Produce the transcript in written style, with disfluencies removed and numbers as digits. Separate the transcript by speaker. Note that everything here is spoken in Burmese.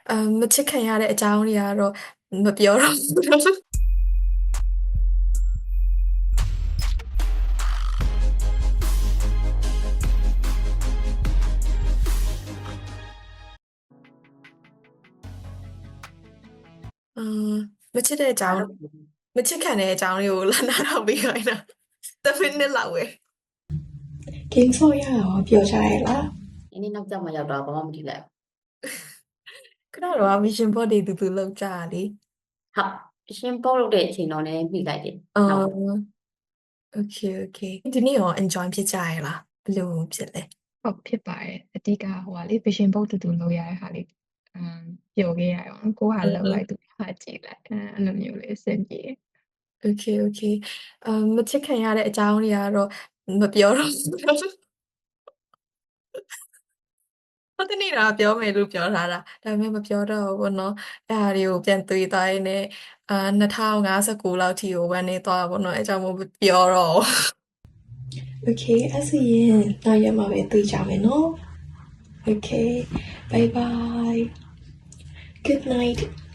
Speaker 1: မချစ်ခံရတဲ့အကြောင်းတွေကတော့မပြောတော့ဘူး မချစ်တဲ့အကြောင်းမချစ်ခံတဲ့အကြောင်းလေးကိုလာနာတော့ပြီးခိုင်းတာ10 minute လောက်ပဲ
Speaker 2: Game ဆော့ရအောင်ပြောကြရလား
Speaker 3: ဒီနေ့နောက်ကျမှရောက်တော့ဘာမှမထီလိုက်
Speaker 1: ခဏတော့ vision board တွေတူလောက်ကြတာလေ
Speaker 3: ဟုတ်ရှင်းပေါက်လုပ်တဲ့အချိန်တော့လည်းမိလိုက်တယ်
Speaker 1: okay ဒီနေ့ရော enjoy ဖြစ်ကြရလားဘယ်လိုဖြစ်လဲ
Speaker 2: ဟုတ်ဖြစ်ပါတယ်အတိကဟိုကလေ vision board တူလုပ်ရတဲ့ဟာလေးပျော်ခဲ့ရအောင်ကိုဟာလောက်လိုက်သူဟာကြည့်လိုက်အဲ့လိုမျိုးလေးအဆင်ပြေ
Speaker 1: okay မချစ်ခံရတဲ့အကြောင်းတွေကတော့မပြောတော့ဘူးဟုတ်တဲ့နေ့တော့ပြောမယ်လို့ပြောထားတာဒါပေမဲ့မပြောတော့ဘူးပေါ့နော်အဲ့ဟာတွေကိုပြန်တွေးသွားရင်းနဲ့2059လောက်ထိကိုဝမ်းနေသွားပါပေါ့နော်အဲ့ကြောင့်မို့ပြောတော့
Speaker 2: Okay အဲ့ဆိုရင်နောက်ရက်မှာပဲတွေ့ကြမယ်နော် Okay bye bye good night